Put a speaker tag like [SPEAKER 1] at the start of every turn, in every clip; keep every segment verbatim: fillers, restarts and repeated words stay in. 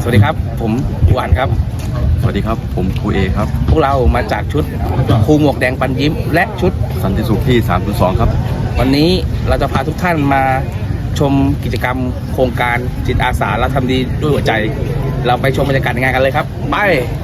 [SPEAKER 1] สวัสดีครับผมครูอั๋นครับ
[SPEAKER 2] สวัสดีครับผมครูเอครับ
[SPEAKER 1] พวกเรามาจากชุดครูหมวกแดงปันยิ้มและชุด
[SPEAKER 2] สันติสุขที่ สามศูนย์สอง ครับ
[SPEAKER 1] วันนี้เราจะพาทุกท่านมาชมกิจกรรมโครงการจิตอาสาและทำดีด้วยหัวใจเราไปชมบรรยากาศงานกันเลยครับไป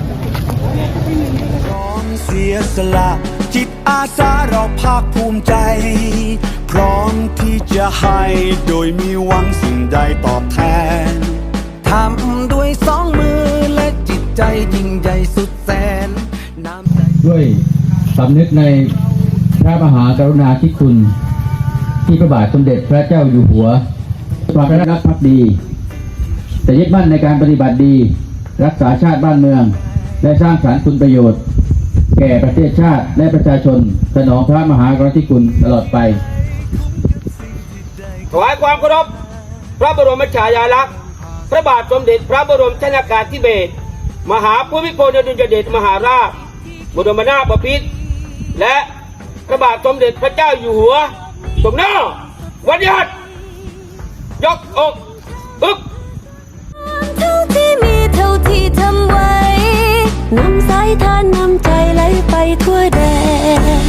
[SPEAKER 3] พร้อมเสียสละจิตอาสาเราภาคภูมิใจพร้อมที่จะให้โดยมีหวังสิ่งใดตอบแทนทำด้วยสองมือและจิตใจยิ่งใหญ่สุดแสนน้ำใจ
[SPEAKER 4] ด้วยสำนึกในพระมหากรุณาธิคุณที่พระบาทสมเด็จพระเจ้าอยู่หัวความรักภักดีแต่ยึดมั่นในการปฏิบัติดีรักษาชาติบ้านเมืองและสร้างสรรค์คุณประโยชน์แก่ประเทศชาติและประชาชนสนองพระมหากรุณาธิคุณตลอดไป
[SPEAKER 5] ถวายความเคารพพระบรมฉายาลักษณ์พระบาทสมเด็จพระบรมชนกาธิเบศรมหาภูมิพลอดุลยเดชมหาราชบรมนาถบพิตรและพระบาทสมเด็จพระเจ้าอยู่หัวทรงหน้าวันยัดยกอกอึก
[SPEAKER 6] เท่าที่มีเท่าที่ทำไว้นำสายทานนำใจไหลไปทั่วแดน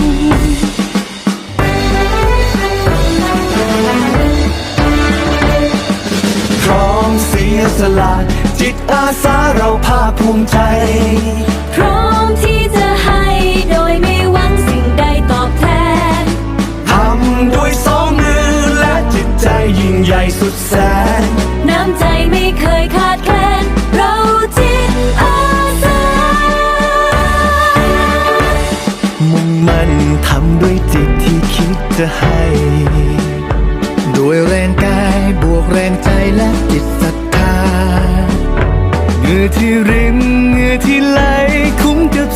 [SPEAKER 3] พร้อมเสียสละจิตอาสาเราภาคภูมิใจ
[SPEAKER 6] พร้อมที่จะให้โดยไม่หวังสิ่งใดตอบแทน
[SPEAKER 3] ทำด้วยสองมือและจิตใจยิ่งใหญ่สุดแสน
[SPEAKER 6] น้ำใจไม่เคยขาดแคลนเราจิตอาสา
[SPEAKER 3] มุ่งมั่นทำด้วยจิตที่คิดจะให้ด้วยแรงกายบวกแรงใจและจิตศรัทธาเหงื่อที่ริมเหงื่อที่ไหลคุ้มกับ